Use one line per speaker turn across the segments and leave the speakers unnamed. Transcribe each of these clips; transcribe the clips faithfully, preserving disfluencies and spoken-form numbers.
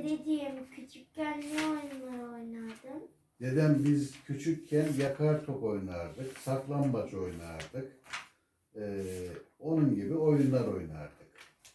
Dedeciğim küçükken ne oyunlar oynardın?
Dedem biz küçükken yakar top oynardık, saklambaç oynardık. Ee, onun gibi oyunlar oynardık.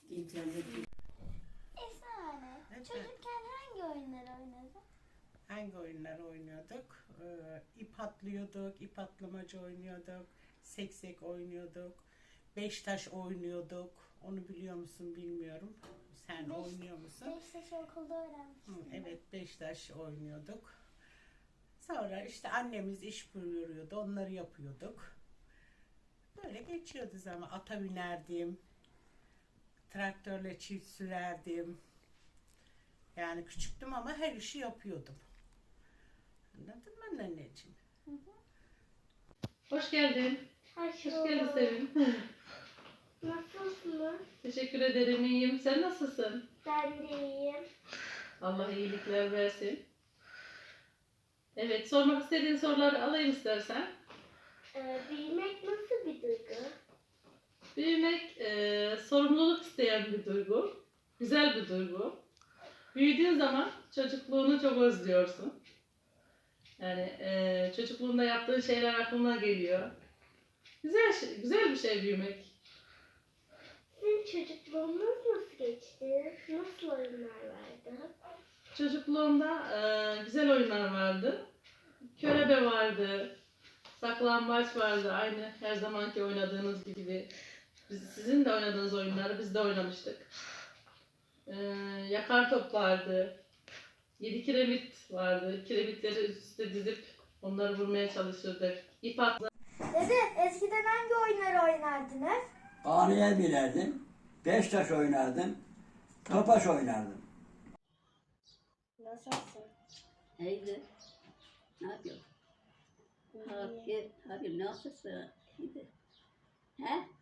Esra, çocukken hangi oyunlar oynadın?
Hangi oyunlar oynuyorduk? Ee, ip atlıyorduk, ip atlamacı oynuyorduk, seksek oynuyorduk, beş taş oynuyorduk. Onu biliyor musun bilmiyorum. Sen
Beş-
oynuyor musun?
Beş yaş okulda öğrenmiştim.
Hı, evet, beş taş oynuyorduk. Sonra işte annemiz iş buyuruyordu, onları yapıyorduk. Böyle geçiyordu zaman. Ata binerdim, traktörle çift sürerdim. Yani küçüktüm ama her işi yapıyordum. Anladın mı anneciğim?
Hoş geldin.
Hoş
Hoş geldin
bulduk.
Sevim.
Nasılsınız?
Teşekkür ederim, iyiyim. Sen nasılsın?
Ben de iyiyim.
Allah iyilikler versin. Evet, sormak istediğin soruları alayım istersen.
Ee, büyümek nasıl bir duygu?
Büyümek e, sorumluluk isteyen bir duygu. Güzel bir duygu. Büyüdüğün zaman çocukluğunu çok özlüyorsun. Yani e, çocukluğunda yaptığın şeyler aklına geliyor. Güzel şey, güzel bir şey büyümek.
Sizin çocukluğunuz nasıl geçti? Nasıl oyunlar vardı?
Çocukluğumda e, güzel oyunlar vardı. Körebe vardı. Saklambaç vardı. Aynı her zamanki oynadığınız gibi. Biz, sizin de oynadığınız oyunları biz de oynamıştık. E, yakar top vardı. Yedi kiremit vardı. Kiremitleri üst üste dizip onları vurmaya çalışırdık. İp atla.
Dede, eskiden hangi oyunları oynardınız?
Ağrıya binerdim, beş taş oynardım, topaç oynardım.
Nasılsın?
İyidir. Ne yapıyorsun? Abi, abi nasılsın? İyidir. He?